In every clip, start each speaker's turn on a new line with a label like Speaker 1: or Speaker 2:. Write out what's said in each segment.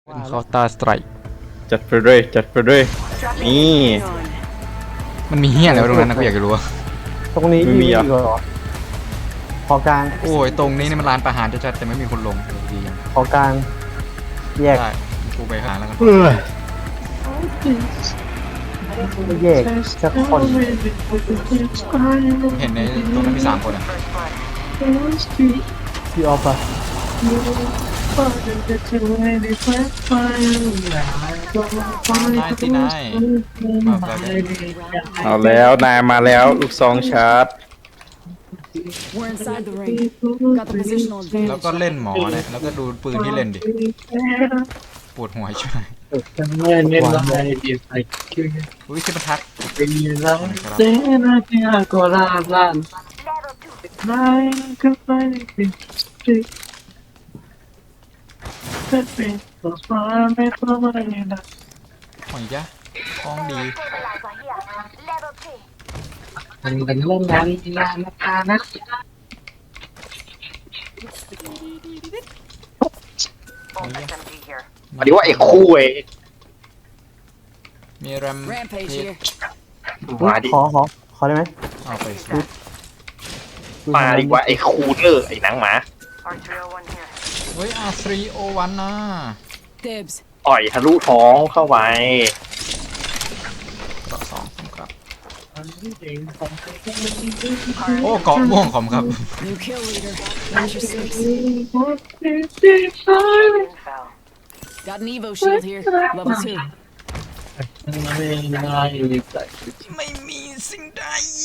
Speaker 1: เป็นเคาน์เตอร์สไตร์
Speaker 2: จัดไปเลยจัดไปเลยนี่
Speaker 1: มันมีเฮี้ยอะไรวะตรงนั้นนะกูอยากจะรู้ว่า
Speaker 3: ตรงนี้
Speaker 2: ไม่มี
Speaker 3: มี
Speaker 2: เหรอ
Speaker 3: อีกเหรอขอกลาง
Speaker 1: โอ้ยตรงนี้นี่มันร้านประหารชัดๆแต่ไม่มีคนลงดีจัง
Speaker 3: ขอกลางแยก
Speaker 1: ได้กูไปหาแล้วกัน
Speaker 3: ไม่แยกสักคน
Speaker 1: เห็นในตรงนั้นมี3 คนอ่ะ
Speaker 3: พี่ออฟอะ
Speaker 1: นายสินายมาแบบ
Speaker 2: เอาแล้วนายมาแล้วลูกซองชาร์จ
Speaker 4: We're inside the ring. Got the positional
Speaker 1: แล้ว
Speaker 4: advantage.
Speaker 1: ก็เล่นหมอเนี่ยแล้วก็ดูปืนที่เล่นดิปวดหัวใช่ไหมอุ้ยขึ้นมาทักหอยจ้ะคล้องดี
Speaker 5: มันเป็นเรื่องงานนะคะนะ
Speaker 1: หอยจ้ะ
Speaker 5: พอดีว่าไอ้คู่ไอ้
Speaker 1: มีแรม
Speaker 4: Rampage here.
Speaker 5: มาดิ
Speaker 3: ขอได้ไหม
Speaker 1: เอาไปสิ
Speaker 5: มาดีกว่าไอ้คูเนอร์ไอ้หนังหมา
Speaker 1: เฮ้ยR301นะ
Speaker 4: Dibs.
Speaker 5: ต่อยทะลุท้องเข้าไป
Speaker 1: เกาะ2ครับโอ้เกาะม่วงขอมครับ
Speaker 4: New kill leader. Measure 6. Got an Evo shield here. Level 2.
Speaker 1: ไม่มีสิ่งใด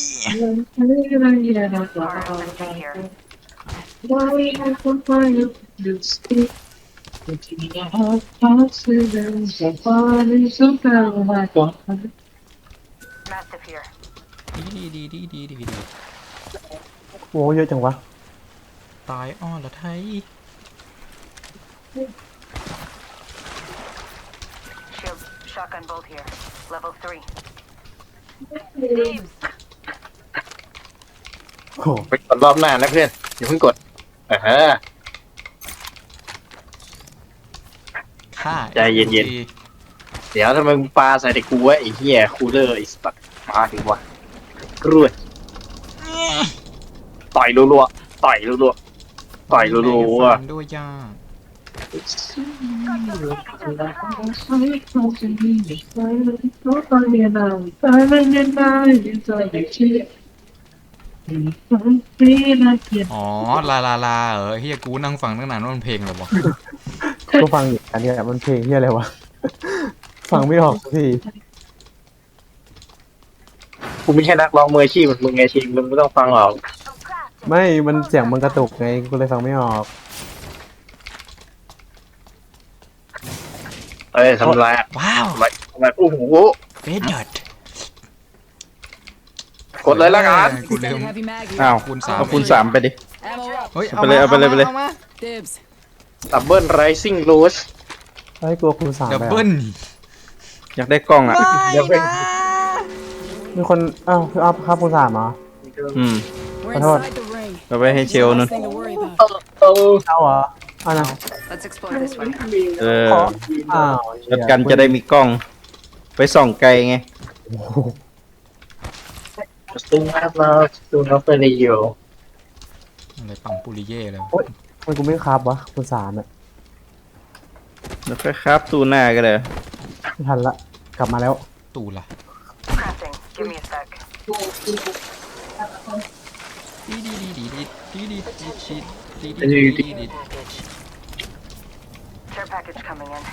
Speaker 1: ดี
Speaker 3: โอ้เยอะจังวะ
Speaker 1: ตายอ้อละไทย
Speaker 6: Shield shotgun bolt here. Level 3.
Speaker 3: โอ้
Speaker 5: ไปกดรอบหน้านะเพื่อนอย่าเพิ่งกด
Speaker 1: ฆ่า
Speaker 5: ใจเย็น เดี๋ยวทำไมมึงปาใส่แต่กูวะไอ้เหี้ยคูลเลอร์ไอ้สัตว์มาถึงวะกรวดต่อยรัวๆต่อยรัวๆต่อยรัว
Speaker 1: ฟันด้วยย่า อ๋อลาเฮียกูนั่งฟังตั้งนานว่ามันเพลงเหรอวะ
Speaker 3: ก็ฟังอยู่อันเนี้ยมันเพลงที่อะไรวะ ฟังไม่ออกสักที
Speaker 5: ๆกูไม่ใช่นักร้องมืออาชีพเหมือนมึงไงชีมึงไม่ต้องฟังหรอก
Speaker 3: ไม่มันเสียงมันกระตุกไงกูเลยฟังไม่ออก
Speaker 5: เอ้ยทำไรอะ
Speaker 1: ว้าว
Speaker 5: ทำไรโอ้โห
Speaker 1: เฟดเดิร์ด
Speaker 5: กดเลยละกัน
Speaker 1: กูลืม
Speaker 4: Extended heavy mag here.
Speaker 2: อ้าว
Speaker 1: คูณ
Speaker 2: เอาคูณ 3ไปดิ
Speaker 4: Ammo up.
Speaker 1: เฮ้ย
Speaker 2: เอาไปเลยเอาไปเลย
Speaker 1: มา
Speaker 4: Dibs.
Speaker 5: ดับเบิลไรซิ่งรูส
Speaker 3: เฮ้ยกลัวคูณ 3
Speaker 1: ดับ
Speaker 3: ไป
Speaker 1: เบิ้
Speaker 3: อะ
Speaker 1: ล
Speaker 2: อยากได้กล้องอ่ะ
Speaker 1: ไม่นะ
Speaker 3: มีคนอ้าวพี่ออฟครับคูณ 3เหรอ
Speaker 2: อืม
Speaker 4: We're
Speaker 3: Hold on.
Speaker 4: inside the ring.
Speaker 2: เอาไปให้เชล
Speaker 4: One
Speaker 2: นู่น
Speaker 4: less thing to worry about.
Speaker 3: เอาเหรอเอานะ
Speaker 6: Let's explore this way.
Speaker 2: เออ
Speaker 3: ขออ้าว
Speaker 2: แล้วกันจะได้มีกล้อง ไปส่องไกลไง
Speaker 3: โอ้โห
Speaker 5: ตุ้งมากแล้วตุ้งน้องเฟรนอยู่
Speaker 1: อะไรปังปุริเย่เลย
Speaker 3: ทำไมกูไม่ครับวะคูณ 3เนี่ย
Speaker 2: แล้วค่อยครับตูหน้าก็เลย
Speaker 3: ไม่ทันละกลับมาแล้ว
Speaker 1: ตูล่ะ
Speaker 6: Crafting. Give me a sec.
Speaker 1: ดี
Speaker 6: Care package coming in.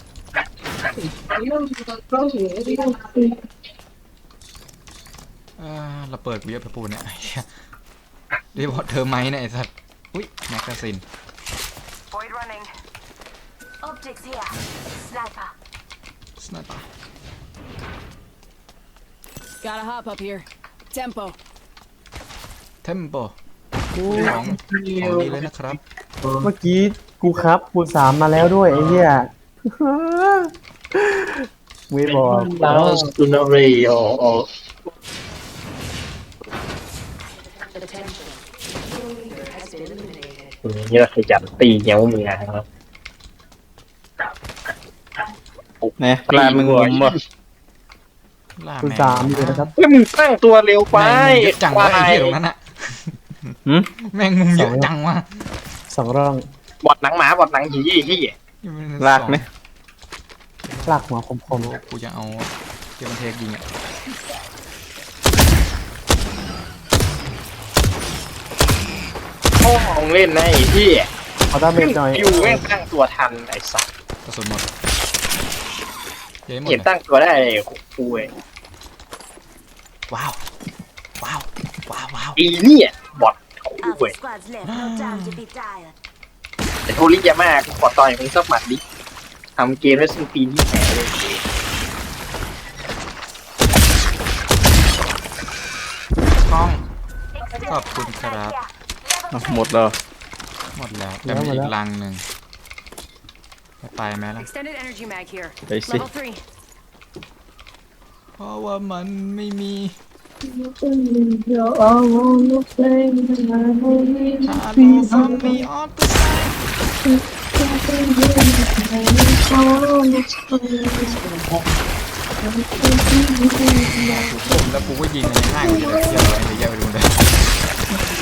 Speaker 1: เราเปิดกูเยอะไปปูเนี่ยไอ้เหี้ยเรียกว่าเธอไหมเนี่ยไอ้สัตว์อุ้ยแมกกาซิน
Speaker 6: Void running. Optics here. Sniper.
Speaker 1: สไนเปอร์
Speaker 4: Gotta hop up here. Tempo.
Speaker 1: เทมโปของดีเลยนะครับ
Speaker 3: เมื่อกี้กูครับคูณ 3มาแล้วด้วยไอ้เหี้ย ไม่บอก
Speaker 5: แล้วตุ้งน้องเฟรนอยู่ นี่เราขยันตีเงี้ยวมึงนะครับ
Speaker 2: เนี่ยลาดมึงงมบ่
Speaker 1: ล่า
Speaker 3: คุณ
Speaker 1: แมง
Speaker 3: สามอยู่นะครับ
Speaker 5: เฮ้ยมึงตั้งตัวเร็วไป
Speaker 1: แมงมุมเยอะจังวะไอ้เหี้ยตรงนั้นอะ
Speaker 2: หืม
Speaker 1: แมงมุมเยอะจังวะ
Speaker 3: สองร่อง
Speaker 5: บอดหนังหมาบอดหนังผีที่
Speaker 2: ลากไหม
Speaker 3: ลากหัวคม
Speaker 1: กูจะเอาเกียร์บันเทกยิงอะ
Speaker 5: พ่อของเล่นนะไอ้ที่
Speaker 3: ๆเอาด้าเมจหน่อย
Speaker 5: อยู่แม่งตั้งตัวทันไอ้สัตว์
Speaker 1: กระสุนหมดเย้หมด
Speaker 5: เห็น
Speaker 1: เลย
Speaker 5: ตั้งตัวได้คุย
Speaker 1: ว้าวว้าวว้าวว้าว
Speaker 5: อีเนี่ยบอดคุย
Speaker 6: Alpha squad's left. No time to be tired.
Speaker 5: แต่โทริยาม่ากูขอต่อยมึงสักหมัดดิทำเกมได้สิ้นปีที่แหนเลย
Speaker 1: กล้องขอบคุณครับ
Speaker 2: อ่ะหมดแล้ว
Speaker 1: หมดแล้วแต่มีอีกลังหนึ่งไปไหมล่ะ
Speaker 4: Extended energy mag here.
Speaker 2: ไปสิ
Speaker 4: Level 3.
Speaker 1: เพราะว่ามันไม่มีฮัลโหลฟังมีออฟตัวแล้วกูก็ยิงมันง่ายกว่าจะได้เที่ยวอะไรเยอะไปดูเลย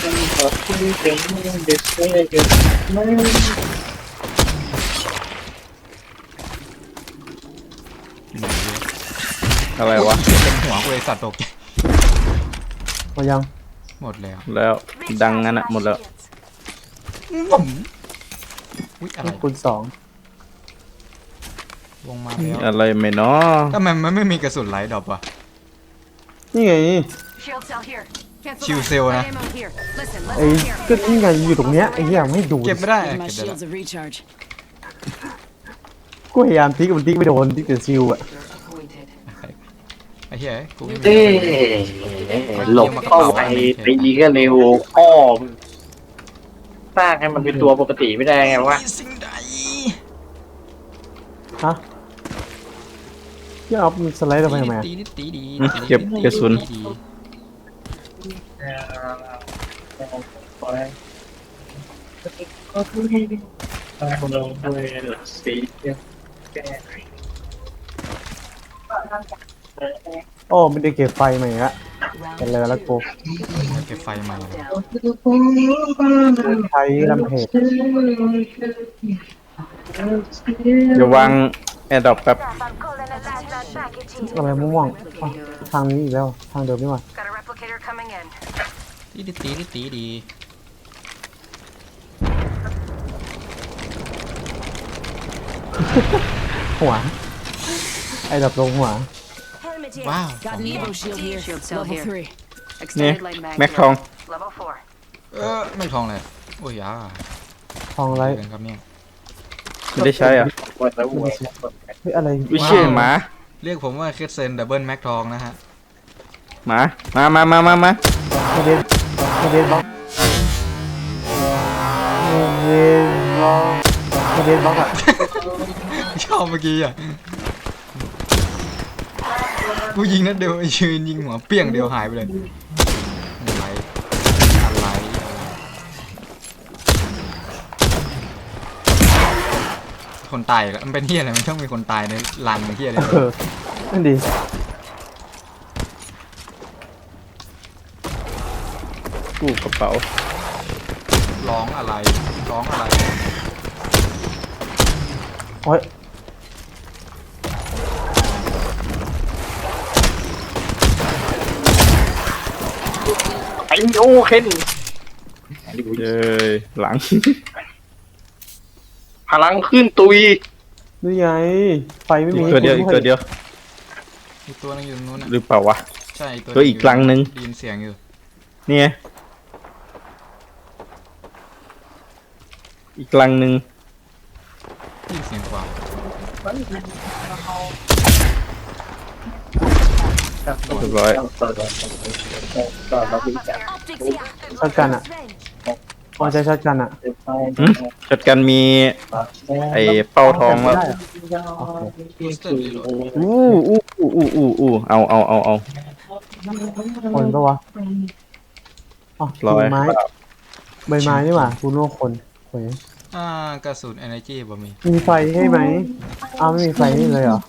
Speaker 1: ไหนวะ
Speaker 2: อะไรวะ
Speaker 1: เต็มหัวกูเลยสัตว์ตกใจ
Speaker 3: มายัง
Speaker 1: หมดแล้ว
Speaker 2: แล้วดังงั้นอะหมดแล้ว
Speaker 1: อุ๊ยอะไร
Speaker 3: คุณสอง
Speaker 1: วงมาแล้ว
Speaker 2: อะไรไม่เนาะ
Speaker 1: ทำไมมันไม่มีกระสุนไลท์ดรอปวะ
Speaker 3: นี่ไง
Speaker 4: Shield cell here. Cancel
Speaker 1: Shield
Speaker 4: that.
Speaker 1: cell
Speaker 4: Light
Speaker 1: นะ
Speaker 4: ammo here. Listen, let's
Speaker 3: ไอ้
Speaker 4: go here.
Speaker 3: ก็นี่ไงอยู่ตรงเนี้ยไอ้เหี้ยไม่ดู
Speaker 1: เก็บไม่ได้
Speaker 4: Give
Speaker 1: เก็
Speaker 4: my
Speaker 1: บได้แล้ว
Speaker 4: shields a recharge.
Speaker 3: กูพยายามทิ้งมันทิ้งไม่โดนทิ้งแต่ซิลอะ
Speaker 1: ไอ้เหี้ยกูไม่มี
Speaker 5: เอ้หลบเข้าไปตีก็เร็วพ่อมึงสร้างให้มันเป็นตัวปกติไม่ได้ไงวะ
Speaker 1: มีสิ่งใด
Speaker 3: ฮะที่เอาสไลด์ทำไมมา
Speaker 1: ตีตีดี
Speaker 2: เก็บกระสุน
Speaker 1: ดี
Speaker 3: โอ้ไม่ได้เก็บไฟมาอีกละเป็นเลยแล้วกู
Speaker 1: เก็บไฟใหม่เลย
Speaker 3: ใช้ลำเพจ
Speaker 2: เดี๋ยววางแอร์ดรอปแป๊บ
Speaker 6: I'm calling a lifeline package here.
Speaker 3: อะไรม่วงๆอ๋อทางนี้อีกแล้วทางเดิมนี่หว่า
Speaker 6: Got a replicator coming in.
Speaker 1: ตีดี
Speaker 3: หัวไอ้ดับลงหัว
Speaker 6: Helmet here.
Speaker 1: ว้าว
Speaker 4: Got an Evo shield here.
Speaker 6: Shield cell
Speaker 4: Level
Speaker 6: here.
Speaker 4: 3.
Speaker 2: นี่
Speaker 6: Extended light mag
Speaker 2: แม็ก
Speaker 6: here.
Speaker 2: ทอง
Speaker 6: Level
Speaker 1: ไม่ทองเลยโอ้ยอ่ะ
Speaker 3: ทองไร
Speaker 1: เจอกันครับเนี่ย
Speaker 2: ไม่ได้ใช้อ่ะ
Speaker 3: เฮ้ยอะไร
Speaker 2: วิเชียหมา
Speaker 1: เรียกผมว่าเคสเซนดับเบิลแม็กทองนะฮะ
Speaker 2: หมามา
Speaker 3: ไม่ได้ไม่ได้บล็อกไม่ได้บล็อกอะ
Speaker 1: ชอบเมื่อกี้อ่ะกูยิงนัดเดียวไอ้ยืนยิงหัวเปี้ยงเดียวหายไปเลยอะไรคนตายแล้วมันเป็นเฮียอะไรมันต้องมีคนตายในรังเฮียอะไร
Speaker 3: เออนั่นดี
Speaker 2: กู้กระเป๋า
Speaker 1: ร้องอะไร
Speaker 3: โอ้ย
Speaker 5: ไอ้โอเคน
Speaker 2: เย้ยหลัง
Speaker 5: พลังขึ้นตุย
Speaker 3: นี่ไงไฟไม่มี
Speaker 2: อีกตัวเดียวอีกตัวเดียว
Speaker 1: อีกตัวนึงอยู่ตรงนู้นนะ
Speaker 2: หรือเปล่าวะ
Speaker 1: ใช่
Speaker 2: ตัวอีกรังนึง
Speaker 1: ได้ยินเสียงอยู่
Speaker 2: นี่ไงอีกลังหนึ่ง
Speaker 1: ได้ยินเสียงกว่า
Speaker 2: เรียบร้อย
Speaker 6: Optics here.
Speaker 3: ช็อตกันอะพอใช้ช็อตกันอะ
Speaker 2: ช็อตกันมีไอ้เป้าทองแล้ว
Speaker 3: ได้อะ
Speaker 2: อู้เอา
Speaker 3: คนปะวะอ๋อ
Speaker 2: ร้อย
Speaker 3: ใบไม้ใบไม้นี่หว่าคุณโลกคนโอ้ย
Speaker 1: กระสุน energy บ่มี
Speaker 3: มีไฟให้ไหมอ้าวไม่มีไฟนี่เลยเหรอ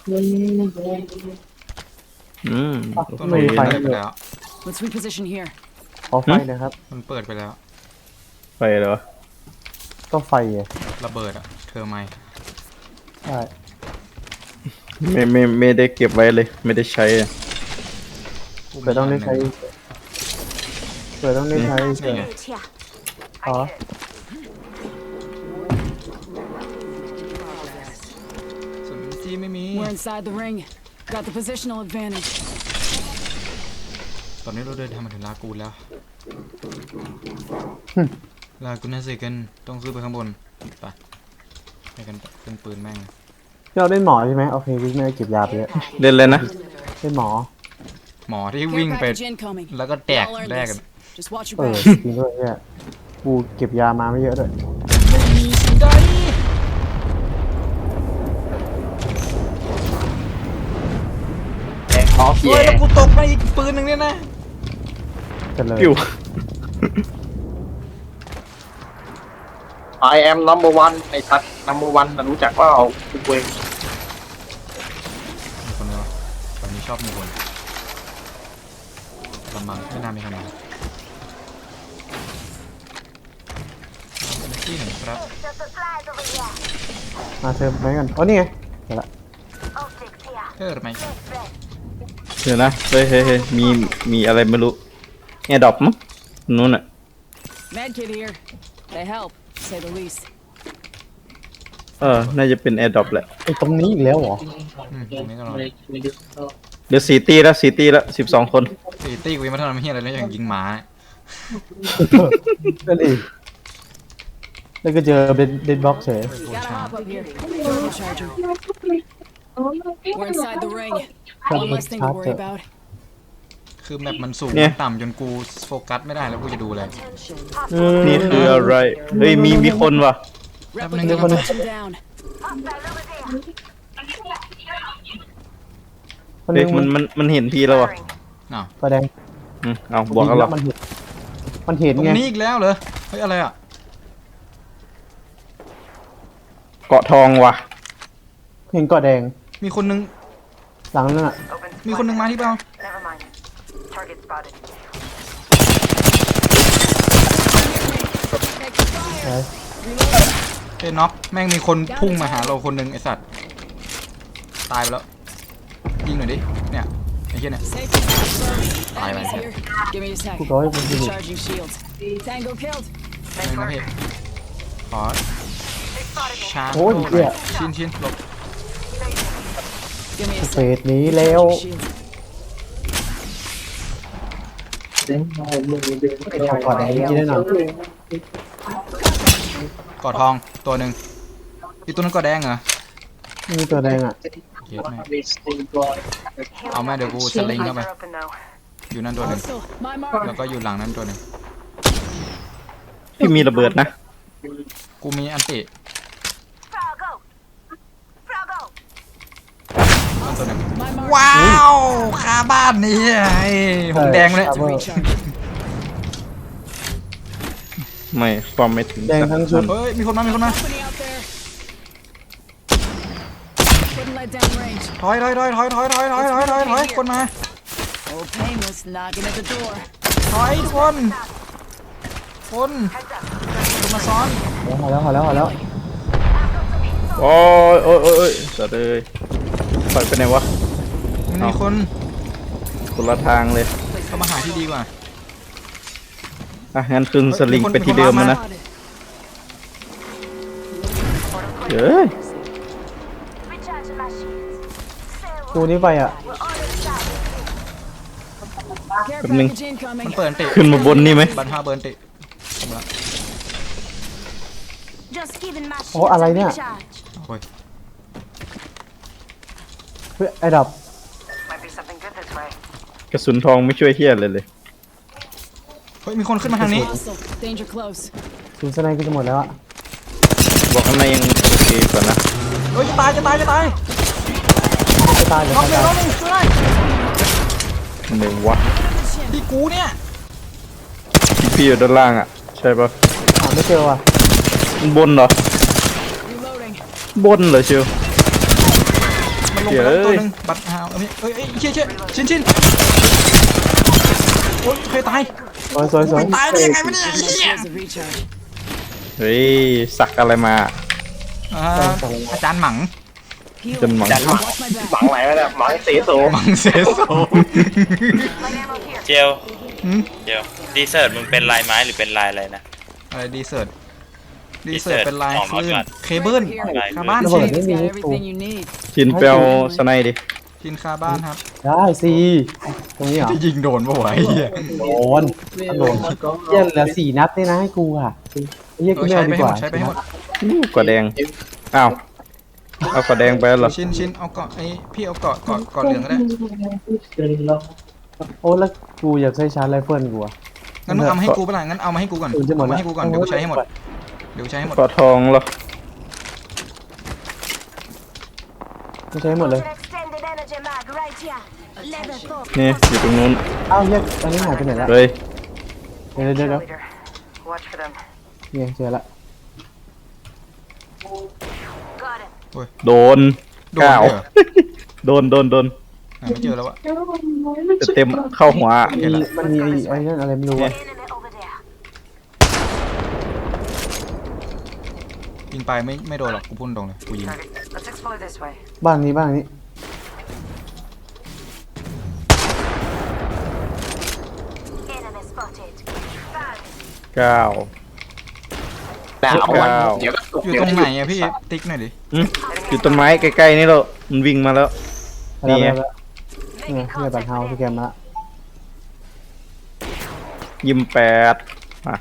Speaker 1: ต้น
Speaker 3: ไม่
Speaker 1: ไม้
Speaker 3: มีไฟ
Speaker 1: เปิดไปแล้ว
Speaker 4: Let's reposition here.
Speaker 3: ขอไฟหนะครับ
Speaker 1: มันเปิดไปแล้ว
Speaker 2: ไปเหรอ
Speaker 3: ก็ไฟไง
Speaker 1: ระเบิดอะเธอไม่
Speaker 3: ใช่
Speaker 2: ไม่ได้เก็บไว้เลย ไม่ได้ใช้อะ
Speaker 1: กูมี
Speaker 3: เผื่อต้องได้ใช้
Speaker 1: นหนึ่
Speaker 3: เผื่อต้องได้ใช้
Speaker 1: นี่ไง
Speaker 6: here.
Speaker 3: อ๋อ
Speaker 1: ส่วนจีไม่มี
Speaker 4: We're inside the ring. Got the positional advantage.
Speaker 1: ตอนนี้เราเดินทางมาถึงลากูนแล้ว ลากูน่าสิกันต้องซื้อไปข้างบนไปไปกันเครื่องปืนแม่ง
Speaker 3: เราเล่นหมอใช่ไหมโอเคพี่ไม่ได้เก็บยาไปเยอะ
Speaker 2: เล่นเลยนะ
Speaker 3: เล่นหมอ
Speaker 1: หมอที่
Speaker 4: Care
Speaker 1: วิ่งไป
Speaker 4: package incoming.
Speaker 1: แล้วก็แตก
Speaker 4: Y'all earned
Speaker 1: แรกกัน
Speaker 4: this. Just watch your
Speaker 3: เออ
Speaker 4: back.
Speaker 3: จริงด้วยเนี่ยกูเก็บยามาไม่เยอะด้วย
Speaker 5: แองออฟ
Speaker 1: โอ้
Speaker 5: เย่
Speaker 1: ยแล้วกูตกไปอีกปืนหนึ่งเนี่ยนะ
Speaker 3: กันเลย
Speaker 2: ปิ้ว
Speaker 5: I am number one ไอ้ทัด number one นะรู้จักว่าเอากูเอง
Speaker 1: มีคนเดียวตอนนี้ชอบมีคนลำบังไม่น่ามีคนมาเป็นที่หนึ่งครับ
Speaker 6: The supplies over here.
Speaker 3: มาเชิญไหมกันอ๋อนี่ไงเดี๋ยวละ
Speaker 6: Optics here.
Speaker 1: เธอไหม
Speaker 2: เดี๋ยวนะ เฮ้ยมีอะไรไม่รู้แอร์ดรอปมั้งนู้นอ่ะ
Speaker 4: Medkit here. They help, to say the least.
Speaker 2: น่าจะเป็นแอร์ดรอปแหละ
Speaker 3: ไอ้ตรงนี้อีกแล้วเหรอ
Speaker 1: ตรงนี้ก็รอ
Speaker 2: เดี๋ยว4 ตีแล้ว4 ตีแล้ว12 คน
Speaker 1: ตีตี้กูยังไม่ทำอะไรเฮียอะไรเลยอย่างยิงหมา
Speaker 3: นั่นเองแล้วก็เจอเดดบ็อกเฉย
Speaker 4: Gotta hop up here. Turbocharger. We're inside the ring. One less thing to worry about.
Speaker 1: คือแมปมันสูง
Speaker 2: เนี่ย
Speaker 1: ต่ำจนกูโฟกัสไม่ได้แล้วกูจะดูอะไร
Speaker 2: นี่คืออะไร เฮ้ยมีคนว่ะ
Speaker 4: Replicator touching down.
Speaker 6: Hostile over there.
Speaker 3: คน
Speaker 2: เฮ้
Speaker 3: นึ
Speaker 2: ย
Speaker 3: ง
Speaker 2: มันเห็นพี่แล้วว่ะ
Speaker 1: อ้าว
Speaker 3: ประแดง
Speaker 2: เอาบวกกันหรอ
Speaker 3: มันเห็น
Speaker 1: ตรง
Speaker 3: ไง
Speaker 1: นี้อีกแล้วเหรอ เฮ้ยอะไรอ่ะ
Speaker 2: เกาะทองว่ะ
Speaker 3: เห็นกอดแดง
Speaker 1: มีคนนึง
Speaker 3: หลังนั่นอ่ะ
Speaker 6: Open
Speaker 1: มีคนนึงมาที่เปล่า
Speaker 6: Never mind. Target spotted.
Speaker 3: เฮ้ย
Speaker 1: เอ้ยน็อกแม่งมีคนพุ่งมาหาเราคนนึงไอสัตว์ ตายไปแล้ว ยิงหน่อยดิ เนี่ยไอ้เหี้ยเนี่ย
Speaker 4: Safety first.
Speaker 1: Bye,
Speaker 4: Enemies
Speaker 1: bye.
Speaker 4: here. Give me a sec.
Speaker 3: พูดร้อยเป็นสิบ
Speaker 4: Charging shields. Tango killed.
Speaker 1: แม่งนะพี่ขอ
Speaker 6: They spotted me.
Speaker 1: ชาร์จ
Speaker 3: โอ้ยเหี้ย
Speaker 1: ชิ้นหลบ
Speaker 4: Give me a
Speaker 3: เฟ
Speaker 4: sec.
Speaker 3: สนี้แล้ว
Speaker 4: Charging shields.
Speaker 3: ไอ้ทางกอดแดงนี่แน่นอน
Speaker 1: กอดทองตัวหนึ่งอีกตัวนั้นกอดแดงเหรอ
Speaker 3: มีตัวแดงอ่ะ
Speaker 1: เหี้ยแม่งเอาแม่เดี๋ยวกูสลิงเข้าไป
Speaker 6: Eyes are open though.
Speaker 1: อยู่นั่นตัวหนึ่ง
Speaker 4: Hostile. My
Speaker 1: แล้ว
Speaker 4: mark.
Speaker 1: ก็อยู่หลังนั้นตัวหนึ่ง
Speaker 2: พี่มีระเบิดนะ
Speaker 1: กูมีอันติ
Speaker 6: Froggo. Froggo.
Speaker 1: นั่นตัวหนึ่ง
Speaker 4: My mark.
Speaker 1: ว้าวคาบ้านนี่ไอ้หงแดงเลย
Speaker 3: ครับ
Speaker 4: Recharge.
Speaker 2: ไม่ความไม่ถึง
Speaker 3: แดงทั้งชุด
Speaker 1: เฮ้ยมีคนมา
Speaker 4: Company out there. Couldn't let down range.
Speaker 1: ถอยคนมา
Speaker 4: Old Painless knocking at the door.
Speaker 1: ถอยทุกคนคนมาซ้อน
Speaker 3: พอแล้ว
Speaker 2: โอ้ยสัตว์เอ้ยปล่อยไปไหนวะ
Speaker 1: มันมีคน
Speaker 2: คนละทางเลย
Speaker 1: เข้ามาหาที่ดีกว่า
Speaker 2: งั้นคืนสลิงไปที่เดิมมานะ
Speaker 4: Spotted.
Speaker 2: เฮ้ย
Speaker 6: Recharging my shields.
Speaker 3: กูนี่ไปอ่ะ
Speaker 4: Care
Speaker 2: Coming.
Speaker 4: package incoming.
Speaker 1: มันเปิดอันติ
Speaker 2: ขึ้นมาบนนี่ไหม
Speaker 1: บันท่าเบิร์นติผมละ
Speaker 6: Just giving my
Speaker 3: โอ้อะไรเนี่ย
Speaker 1: โอ้ย
Speaker 3: เฮ้ยไอ้ดับ
Speaker 6: Might be something good this way.
Speaker 2: กระสุนทองไม่ช่วยเฮียเลย
Speaker 1: เฮ้ยมีคนขึ้นมาทางนี้
Speaker 4: Hostile. Danger close.
Speaker 3: ถึงสไนกูจะหมดแล้วอ่ะ
Speaker 2: บอกข้างในยังโอเคกว่านะ
Speaker 1: เฮ้ยจะตาย
Speaker 3: จะตายเลย
Speaker 1: น้องหนึ่งช่วยได้
Speaker 2: ไหนวะ
Speaker 1: ที่กูเนี่ย
Speaker 2: พี่อยู่ด้านล่างอ่ะ ใช่ปะ
Speaker 3: หาไม่เจอว่ะ
Speaker 2: มันบนเหรอ
Speaker 4: Reloading.
Speaker 2: บนเหรอเชียว
Speaker 1: มันลงไปแล้วตัวหนึงบัตรหาวเอ้ยเชี่ยชินโอ๊ยเคยตาย
Speaker 3: สวย
Speaker 1: ตายได้ยังไงวะเนี่ย
Speaker 4: My shields of recharge.
Speaker 2: เฮ้ยสักอะไรมา
Speaker 1: อาจารย์หมัง
Speaker 2: จนหมัง
Speaker 5: จันหมัง
Speaker 4: Watch my
Speaker 5: หมั
Speaker 4: back.
Speaker 5: งไหนวะเนี่ยหมังเสโส
Speaker 1: หมังเซโซ
Speaker 6: Light ammo here.
Speaker 7: เจลเจลดีเซิร์ตมึงเป็นลายไม้หรือเป็นลายอะไรนะ
Speaker 1: อะไรดีเซิร์ต
Speaker 7: Desert
Speaker 1: เป็นลาย
Speaker 7: ออก
Speaker 1: ค
Speaker 7: มา
Speaker 1: ลื่น
Speaker 7: ก่อน
Speaker 1: เคเบิลคาบ้าน
Speaker 3: ระ
Speaker 1: ชิ
Speaker 3: เบิด
Speaker 1: น
Speaker 3: ไม่มี
Speaker 4: Got
Speaker 3: ให้กู
Speaker 4: everything you need.
Speaker 2: ชินเปลวสไนดิ
Speaker 1: ชินคาบ้านครับ
Speaker 3: ได้สิตรงนี้เหรอ
Speaker 1: จะยิงโดนปะวะไอ้เหี้ย
Speaker 3: โดนเหี้ยเหลือ4 นัดนี่นะให้กูอ่ะไอ้เหี้ยกูไม่
Speaker 1: ใช้
Speaker 3: เอา
Speaker 1: ไป
Speaker 3: ดี
Speaker 1: ให้
Speaker 3: ก
Speaker 1: หม
Speaker 3: ว่า
Speaker 1: ดใช้ไปให้หมด
Speaker 2: กว่าแดงอ้าวเอากว่าแดงไปแล้วเหรอ
Speaker 1: ชินเอาเกาะไอ้พี่เอาเกาะเหลืองก็ได้
Speaker 3: โอ้แล้วกูอยากใช้ชาร์จไรเฟิลกูอ่ะ
Speaker 1: งั้นมึงเอามาให้กูเปะล่างั้นเอามาให้กูก่อน
Speaker 3: จะหมด
Speaker 1: เอา
Speaker 3: แล้ว
Speaker 1: มาให้กูก่อนเดี๋ยวกูใช้ให้หมดเดี๋ยวกูใช้ให้หมด
Speaker 2: กอทองเหรอ
Speaker 3: ไม่ใช้หมดเลย
Speaker 6: Extended energy mag right here. Level 4.
Speaker 2: นี่อยู่ตรงนู้น
Speaker 3: อ้าวเหี้ยอันนี้หายไปไหนละ
Speaker 2: เลย
Speaker 3: เดี๋ยว
Speaker 6: Cheerleader. Watch for them.
Speaker 3: เนี่ยเจอละ
Speaker 6: Got him.
Speaker 2: โดน
Speaker 1: โดน
Speaker 2: ก้าว
Speaker 1: เลยเหรอ
Speaker 2: โดน
Speaker 1: หาไม่เจอแล้วอะ
Speaker 2: จะเต็มเข้าหัว
Speaker 3: มันมีไอ้นั่นอะไรไม่รู้อ่ะ
Speaker 6: Enemy over there.
Speaker 1: ยิงไปไม่โดนหรอกกูพุ่งตรงเลยกูยิง
Speaker 6: Target. Let's explore this way.
Speaker 3: บ้านนี้
Speaker 6: Enemy spotted. Bad.
Speaker 2: ก้าว
Speaker 5: หนาว
Speaker 2: ว้าว
Speaker 5: เดี๋ยวก็ตก
Speaker 1: อยู่
Speaker 5: เดี๋ย
Speaker 1: ต
Speaker 5: ว
Speaker 1: รง
Speaker 5: ก็
Speaker 1: ไหนอะพี่ติ๊กหน่อยดิ
Speaker 2: อยู่ต้นไม้ใกล้ๆนี่แล้วมันวิ่งมาแล้ว นี่ไง
Speaker 3: แล้วเนี่ยเฮียบัตรเฮาสแกนมาละ
Speaker 2: ยิม8มา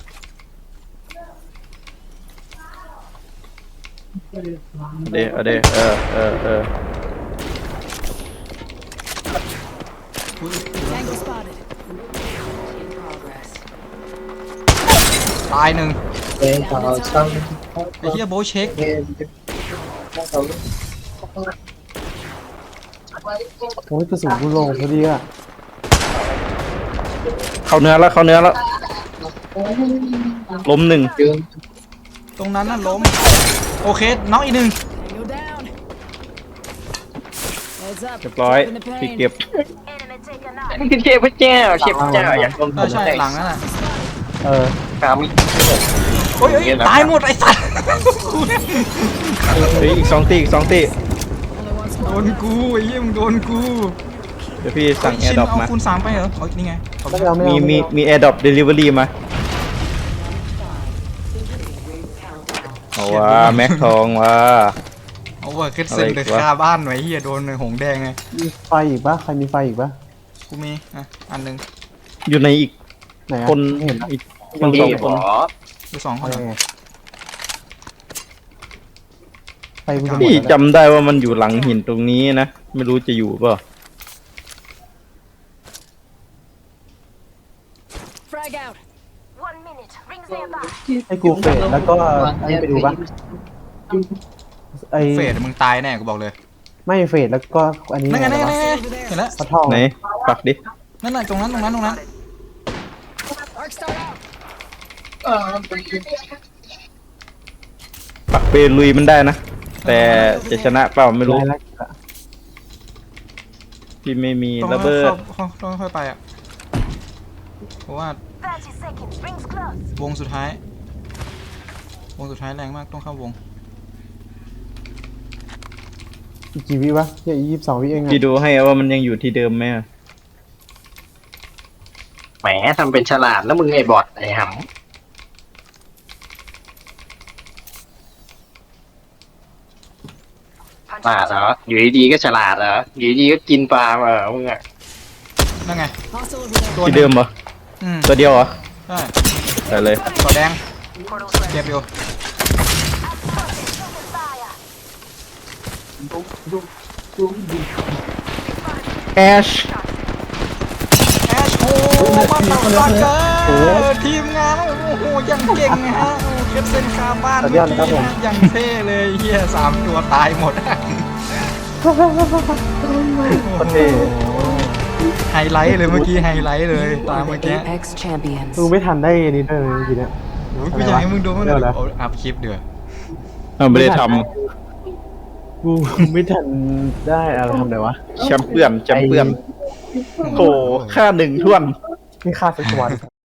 Speaker 2: เอาดี๋ยวเออ
Speaker 4: Tango spotted.
Speaker 1: ตายหนึ่ง
Speaker 4: Down the top.
Speaker 1: ไอ้เหี้ยโบทเช็ค
Speaker 3: โอ้ยกระสุนกูลงพอดีอ่ะ
Speaker 2: เข้าเนื้อแล้วล้มหนึ่ง
Speaker 1: ตรงนั้นน่ะล้มโอเคน็อกอีกหนึ่ง
Speaker 4: Tango down. Heads up.
Speaker 2: เรียบร้อย
Speaker 4: Open the
Speaker 2: พี่
Speaker 4: pain.
Speaker 2: เก็บ
Speaker 6: Enemy taken out.
Speaker 5: นี่คือเทพเจ้าอยากลง
Speaker 1: ใช่หลังนั่นน่ะ
Speaker 5: ครับ
Speaker 1: โอ้ยตายหมดไอ้สัตว์
Speaker 2: เฮ้ยอีก2 ตี
Speaker 4: Only one
Speaker 1: โด
Speaker 4: spot.
Speaker 1: นกูไอ้เหี้ยมึงโดนกู
Speaker 2: เดี๋ยวพี่สั่งแอ
Speaker 1: ชิ
Speaker 2: ร์
Speaker 1: น
Speaker 2: ดรอป
Speaker 1: เอา
Speaker 2: มา
Speaker 1: คูณ3ไปเหรอเอานี่ไงขอบคุณ
Speaker 3: ไม่เอา
Speaker 2: มีแอร์ดรอปเดลิเวอรี่มาเอาว่าแม็กทองว่า
Speaker 1: เอาเวอร์คิดเซนเลยคาบ้านไว้เหี้ยโดนหงแดงไง
Speaker 3: มีไฟอีกปะใครมีไฟอีกปะ
Speaker 1: กูมีอ่ะอันหนึง
Speaker 2: อยู่ในอีก
Speaker 3: ไหนอะ
Speaker 2: คน
Speaker 3: ไม่เห็นอะ
Speaker 2: อีกคนสองคน
Speaker 1: ดู2 คน
Speaker 3: อะไรไงไฟกูจะหมด
Speaker 2: พี่
Speaker 3: แล้ว
Speaker 2: จำได้ว่ามันอยู่หลังหินตรงนี้นะ ไม่รู้จะอยู่เปล่า
Speaker 4: Frag out.
Speaker 6: 1 minute. Rings nearby.
Speaker 3: ให้กูเฟดแล้วก็ไอ้ไปดูปะไอ้
Speaker 1: เฟดมึงตายแน่กูบอกเลย
Speaker 3: ไม่เฟดแล้วก็อันนี้
Speaker 1: นั่นไง
Speaker 3: อะไร
Speaker 1: นั่นไง
Speaker 3: วะ
Speaker 1: เห็นแล้ว
Speaker 3: ปลาทอง
Speaker 2: ไหนปักดิ
Speaker 1: นั่นน่ะตรงนั้น
Speaker 4: Arc star out.
Speaker 2: ปักเปลุยมันได้นะ แต่จะชนะเปล่าไม่รู้
Speaker 3: ได้แล้ว
Speaker 2: พี่ไม่มี
Speaker 1: ตรง
Speaker 2: ระ
Speaker 1: นั้น
Speaker 2: เบิด
Speaker 1: ต้องค่อยไปอ่ะเพราะว่า
Speaker 6: 30 seconds. Rings close.
Speaker 1: วงสุดท้าย แรงมากต้องเข้าวง
Speaker 3: อีกกี่วิวะเฮีย22 วิเองอะ
Speaker 2: พี่ดูให้ว่ามันยังอยู่ที่เดิมไหมอะ
Speaker 5: แหมทำเป็นฉลาดแล้วมึงไอ้บอดไอ้หำ
Speaker 6: Punch
Speaker 5: ฉลาดเหรออยู่ดีๆก็ฉลาดเหรออยู่ดีๆก็กินปลามึงอะ
Speaker 1: นั่นไง
Speaker 4: Hostile over there.
Speaker 1: ตัว
Speaker 2: ที่เดิมเหรอ
Speaker 1: อืม
Speaker 2: ตัวเดียวเหรอ
Speaker 1: ใช่
Speaker 2: ได้เลย
Speaker 1: ต่อแดง
Speaker 6: Portal's ready.
Speaker 1: เก็บอยู่
Speaker 2: แอช
Speaker 1: แอชโอ้มาตัดตัดเลยทีมงานโอ้โหยังเก่งนะฮะเก็บเส้นคาบ้านเมื่อกี้นะยังเท่เลยเฮีย3 ตัวตายหมด
Speaker 3: คนเท่
Speaker 1: ไฮไลท์เลยเมื่อกี้ไฮไลท์เลยตามเมื่อกี้
Speaker 6: Apex champions.
Speaker 3: มึงไม่ทันได้อันนี้ด้วยเลยเมื่อกี้เนี่ย
Speaker 1: โอ้ยกูอยากให้มึงดูมัน
Speaker 3: เดี๋ยวนะ
Speaker 1: อัพคลิปเดือด
Speaker 2: ไม่ได้ท
Speaker 3: กูไม่ทันได้อะไรทำไหนวะ
Speaker 2: ำแชมเปี้ยนโอ้ค่า1 ถ้วน
Speaker 3: นี่ค่าสักวัน